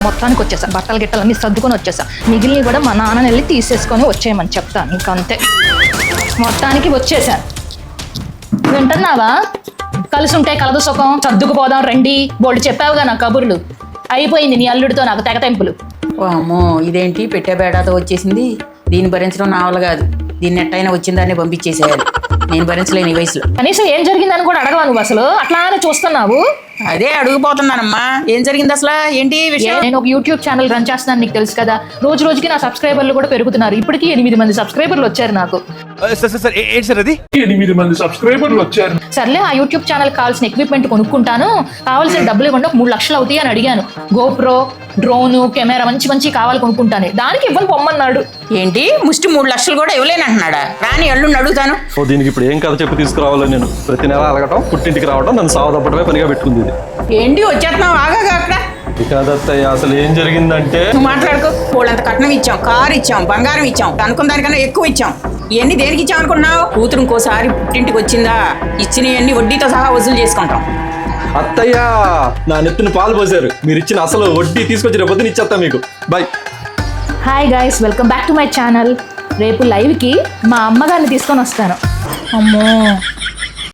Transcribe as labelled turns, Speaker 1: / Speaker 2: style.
Speaker 1: మొత్తానికి వచ్చేసా, బట్టలు గిట్టలన్నీ సర్దుకొని వచ్చేసా. మిగిలినవి కూడా మా నాన్నని వెళ్ళి తీసేసుకొని వచ్చేయమని చెప్తాను. ఇంకంతే, మొత్తానికి వచ్చేసాను. వింటున్నావా? కలిసి ఉంటే కలదు సుఖం, సర్దుకుపోదాం రండి. బోల్డ్ చెప్పావుగా నా కబుర్లు. అయిపోయింది నీ అల్లుడితో నాకు తెగతెంపులు.
Speaker 2: ఓ అమ్మో, ఇదేంటి పెట్టే బేడాతో వచ్చేసింది. దీన్ని భరించడం నా వల్ల కాదు. దీన్ని ఎట్టయినా వచ్చిందాన్ని పంపించేసేయాలి. నేను భరించలేను ఈ వయసులో.
Speaker 1: కనీసం ఏం జరిగిందని కూడా అడగవా నువ్వు? అసలు అట్లానే చూస్తున్నావు.
Speaker 2: అదే అడుగుపోతున్నానమ్మా, ఏం జరిగింది అసలు, ఏంటి విషయం?
Speaker 1: నేను ఒక యూట్యూబ్ ఛానల్ రన్ చేస్తున్నాను, నీకు తెలుసు కదా. రోజు రోజుకి నా సబ్స్క్రైబర్లు కూడా పెరుగుతున్నారు. ఇప్పటికీ 8 మంది సబ్స్క్రైబర్లు వచ్చారు నాకు.
Speaker 3: అది 8 మంది సబ్స్క్రైబర్లు వచ్చారు.
Speaker 1: సర్లే, ఆ యూట్యూబ్ ఛానల్ కావాల్సిన ఎక్విప్మెంట్ కొనుక్కుంటాను, కావాల్సిన డబ్బులు ఇవ్వండి, 3 లక్షలు అవుతాయి అని అడిగాను. గోప్రో, డ్రోను, కెమెరా మంచి కావాలి కొనుక్కుంటాను. దానికి ఇవ్వని పొమ్మన్నాడు.
Speaker 2: ఏంటి ముష్టి 3 లక్షలు కూడా ఇవ్వలేనంటున్నాడా? రాని అల్లుడిని అడుగుతాను.
Speaker 4: ఓ దీనికి ఇప్పుడు ఏం కథ చెప్పి తీసుకురావాలో నేను. ప్రతి నెల అలగటం, పుట్టింటికి రావడం, నన్ను సావదప్పటమే పనిగా పెట్టుకుంది.
Speaker 2: ఏంటి వచ్చేస్తున్నావు? ఆగా అక్కడ
Speaker 4: కాదత్తయ్య, అసలు ఏం జరిగిందంటే,
Speaker 2: నువ్వు మాట్లాడుకో. వాళ్ళంత కట్నం ఇచ్చాం, కారు ఇచ్చాం, బంగారం ఇచ్చాం, అనుకున్న దానికన్నా ఎక్కువ ఇచ్చాం. ఇవన్నీ దేనికి ఇచ్చాం అనుకున్నావు? కూతురు ఇంకోసారి పుట్టింటికి వచ్చిందా ఇచ్చినవన్నీ వడ్డీతో సహా వసూలు చేసుకుంటాం.
Speaker 4: అత్తయ్య నా నెత్తిన పాలు పోసారు. మీరు ఇచ్చిన అసలు వడ్డీ తీసుకొచ్చి రేపు పొద్దున ఇచ్చేస్తా మీకు. Bye.
Speaker 1: Hi guys, welcome back to my channel. రేపు లైవ్కి మా అమ్మగారిని తీసుకొని వస్తాను. అమ్మో,